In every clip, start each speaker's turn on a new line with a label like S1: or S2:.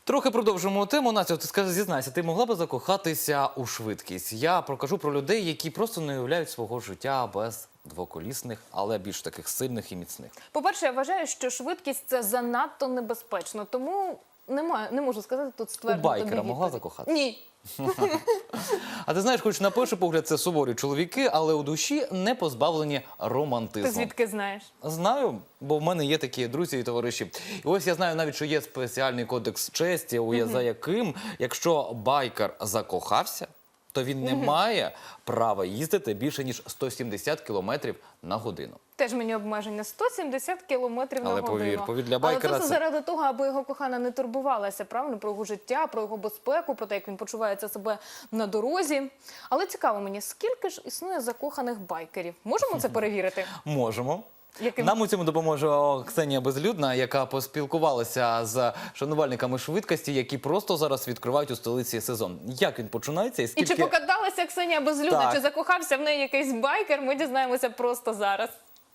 S1: Трохи продовжимо тему. Настя, ти скажи, зізнайся, ти могла би закохатися у швидкість? Я прокажу про людей, які просто не уявляють свого життя без двоколісних, але більш таких сильних і міцних.
S2: По-перше, я вважаю, що швидкість – це занадто небезпечно, тому не можу сказати тут ствердно.
S1: У байкера могла закохатися?
S2: Ні.
S1: А ти знаєш, хоч на перший погляд це суворі чоловіки, але у душі не позбавлені романтизму.
S2: Ти звідки знаєш?
S1: Знаю, бо в мене є такі друзі і товариші. І ось я знаю навіть, що є спеціальний кодекс честі, за яким, якщо байкер закохався, то він не має права їздити більше, ніж 170 км на годину.
S2: Теж мені обмеження 170 км на годину.
S1: Але повір, для байкера
S2: Але це заради того, аби його кохана не турбувалася, правильно, про його життя, про його безпеку, про те, як він почувається себе на дорозі. Але цікаво мені, скільки ж існує закоханих байкерів? Можемо це перевірити?
S1: Можемо.
S2: Яким?
S1: Нам у цьому допоможе Ксенія Безлюдна, яка поспілкувалася з шанувальниками швидкості, які просто зараз відкривають у столиці сезон. Як він починається і скільки...
S2: І чи покаталася Ксенія Безлюдна,
S1: Так.
S2: чи закохався в неї якийсь байкер, ми дізнаємося просто зараз.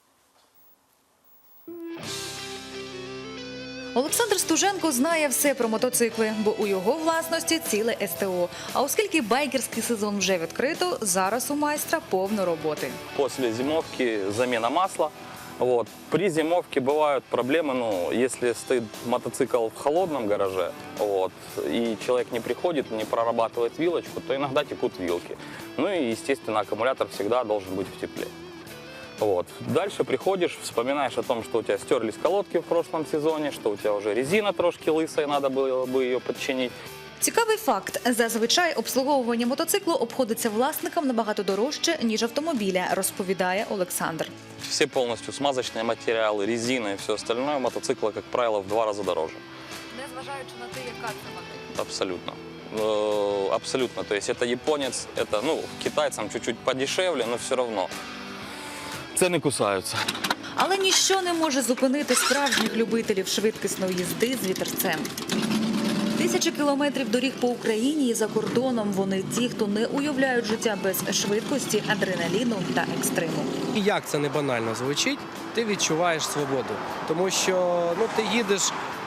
S3: Олександр Стуженко знає все про мотоцикли, бо у його власності ціле СТО. А оскільки байкерський сезон вже відкрито, зараз у майстра повно роботи.
S4: После зимовки замена масла. Вот. При зимовке бывают проблемы, если стоит мотоцикл в холодном гараже, и человек не приходит, не прорабатывает вилочку, то иногда текут вилки. Ну и, естественно, аккумулятор всегда должен быть в тепле. Дальше приходишь, вспоминаешь о том, что у тебя стерлись колодки в прошлом сезоне, что у тебя уже резина трошки лысая, надо было бы ее подчинить.
S3: Цікавий факт. Зазвичай обслуговування мотоциклу обходиться власникам набагато дорожче, ніж автомобіля, розповідає Олександр.
S4: Все полностью смазочные материалы, резина и все остальное у мотоцикла, как правило, в 2 раза дороже.
S3: Незважаючи на те, яка це модель.
S4: Абсолютно. Абсолютно. То есть это японец, это, китайцам чуть-чуть подешевле, но все равно. Цены кусаются.
S3: Але ніщо не може зупинити справжніх любителів швидкісної їзди з вітерцем. Тисячі кілометрів доріг по Україні і за кордоном. Вони ті, хто не уявляють життя без швидкості, адреналіну та екстриму.
S5: І як це не банально звучить, ти відчуваєш свободу. Тому що ти їдеш,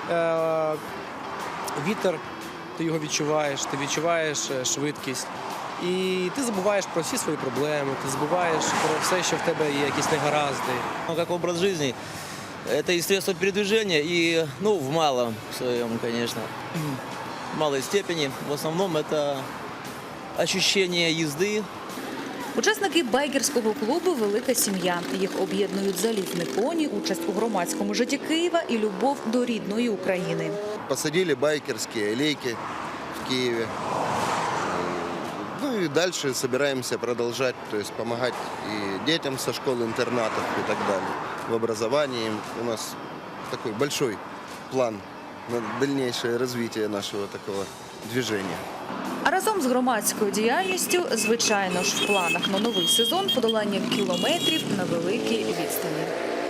S5: вітер, ти його відчуваєш, ти відчуваєш швидкість. І ти забуваєш про всі свої проблеми, ти забуваєш про все, що в тебе є, якісь негаразди.
S6: Как образ жизни, это и средство передвижения, и, в малом своем, конечно, в малой степени. В основном это ощущение езды.
S3: Учасники байкерського клубу «Велика сім'я». Їх об'єднують залізні коні, участь у громадському житті Києва і любов до рідної України.
S7: Посадили байкерские лейки в Киеве. Ну и дальше собираемся продолжать, то есть помогать и детям со школ-интернатов и так далее. В образовании у нас такой большой план на дальнейшее развитие нашего такого движения.
S3: А разом з громадською діяльністю, звичайно ж, в планах на новий сезон подолання кілометрів на великій відстані.